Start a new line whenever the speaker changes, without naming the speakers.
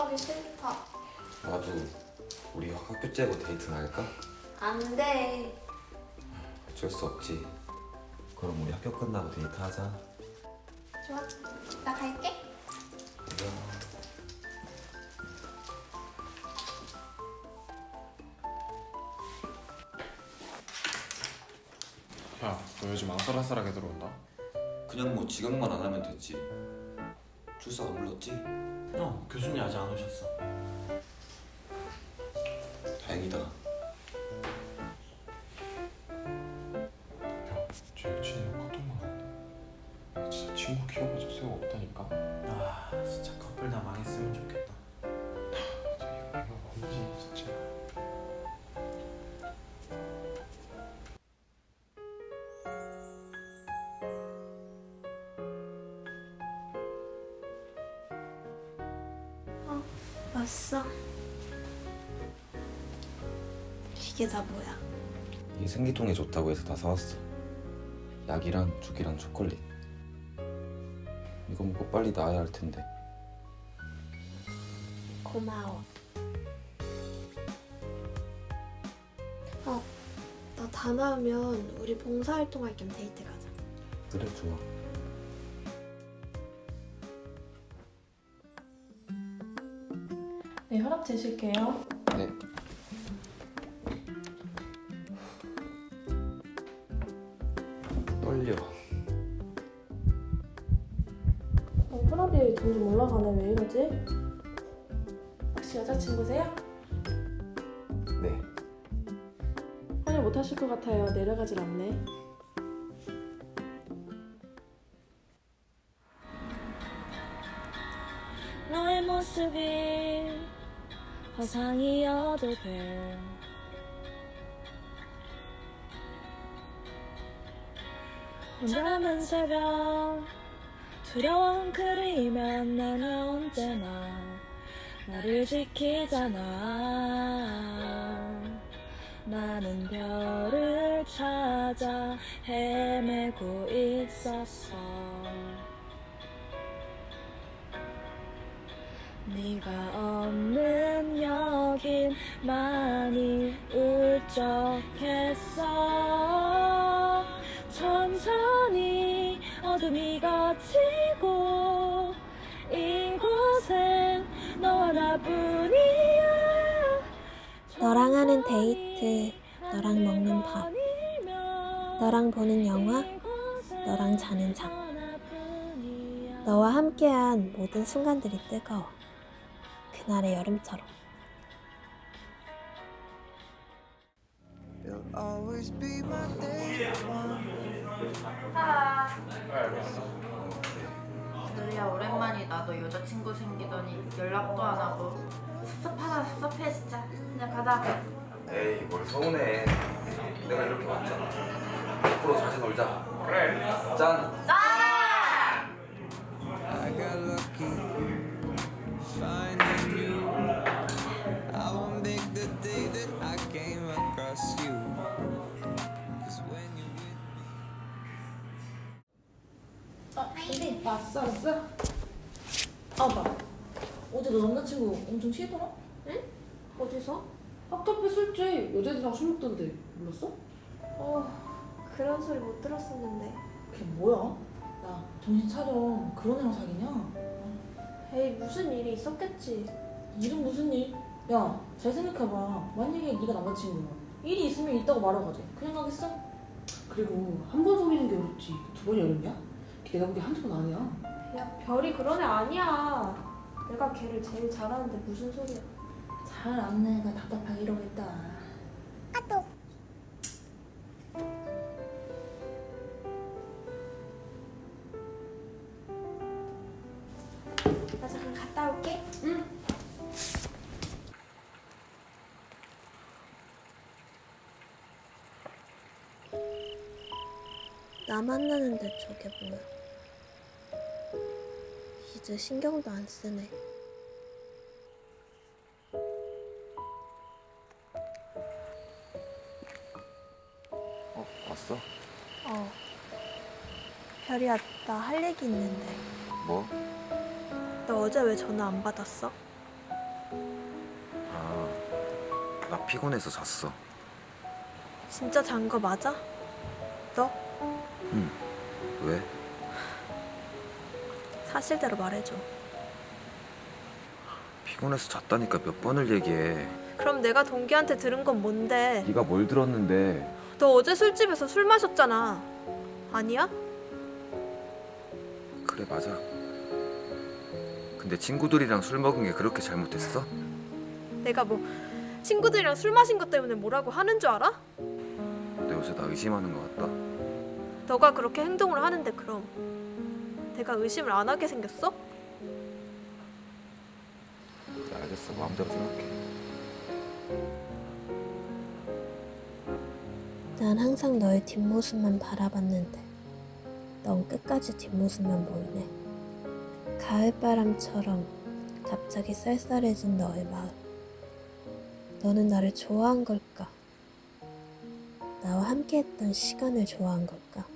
가기 싫다.
나도 우리 학교 째고 데이트나 할까?
안 돼.
어쩔 수 없지. 그럼 우리 학교 끝나고 데이트하자.
좋아. 나 갈게.
야, 너 요즘 아슬아슬하게 들어온다?
그냥 뭐 지각만 안 하면 됐지. 출석 안 불렀지?
교수님 아직 안 오셨어.
다행이다.
야, 쟤 여친이랑 카톡만 하는데 진짜 친구 키워봐줄 새가 없다니까?
아, 진짜 커플 다 망했으면 좋겠다.
이거 뭔지 진짜.
왔어. 이게 다 뭐야?
이게 생리통에 좋다고 해서 다 사왔어. 약이랑 죽이랑 초콜릿. 이거 먹고 빨리 나아야 할 텐데.
고마워. 나 다 나으면 우리 봉사활동할 겸 데이트 가자.
그래, 좋아.
네, 혈압 재실게요.
네. 떨려.
혈압이 점점 올라가네. 왜 이러지? 혹시 여자친구세요?
네.
환영 못 하실 것 같아요. 내려가질 않네.
너의 모습이 화상이어도 돼. 혼자 남은 새벽 두려움 그리면 나는 언제나 나를 지키잖아. 나는 별을 찾아 헤매고 있었어. 네가 없는 여긴 많이 울적했어. 천천히 어둠이 걷히고 이곳엔 너와 나뿐이야.
너랑 하는 데이트, 너랑 먹는 밥, 너랑 보는 영화, 너랑 자는 잠. 너와 함께한 모든 순간들이 뜨거워. 그날의 여름처럼.
누리야 오랜만이다. 너 여자친구 생기더니 연락도 안 하고 섭섭하다. 섭섭해 진짜. 그냥 가자.
에이, 뭘 서운해. 내가 이렇게 왔잖아. 앞으로 자주 놀자. 그래. 짠!
I got lucky finding you. I won't make the day that I came across you. 'Cause when you with me.
왔어. 봐. 어제 너 남자친구 엄청 취했더라?
응? 어디서?
학교 앞에 술집 여자들이랑 술 먹던데 몰랐어?
그런 소리 못 들었었는데.
그게 뭐야? 야, 정신 차려. 그런 애랑 사귀냐?
에이, 무슨 일이 있었겠지.
일은 무슨 일? 야, 잘 생각해봐. 만약에 네가 남자친구야. 일이 있으면 있다고 말하고 가지. 그냥 가겠어? 그리고 한 번 속이는 게 어렵지. 두 번이 어렵냐? 내가 보기엔 한두 번 아니야.
야, 별이 그런 애 아니야. 내가 걔를 제일 잘하는데 무슨 소리야.
잘 아는 애가 답답하게 이러겠다.
나 잠깐 갔다 올게.
응.
나 만나는데 저게 뭐야. 이제 신경도 안 쓰네.
왔어?
별이야, 나 할 얘기 있는데.
뭐?
너 어제 왜 전화 안 받았어?
나 피곤해서 잤어.
진짜 잔 거 맞아? 너?
응. 왜?
사실대로 말해줘.
피곤해서 잤다니까 몇 번을 얘기해.
그럼 내가 동기한테 들은 건 뭔데?
네가 뭘 들었는데?
너 어제 술집에서 술 마셨잖아. 아니야?
그래 맞아. 근데 친구들이랑 술 먹은 게 그렇게 잘못했어?
내가 뭐 친구들이랑 술 마신 것 때문에 뭐라고 하는 줄 알아?
너 요새 나 의심하는 것 같다.
너가 그렇게 행동을 하는데 그럼 내가 의심을 안 하게 생겼어?
네, 알겠어. 마음대로 생각해.
난 항상 너의 뒷모습만 바라봤는데 넌 끝까지 뒷모습만 보이네. 가을바람처럼 갑자기 쌀쌀해진 너의 마음. 너는 나를 좋아한 걸까? 나와 함께했던 시간을 좋아한 걸까?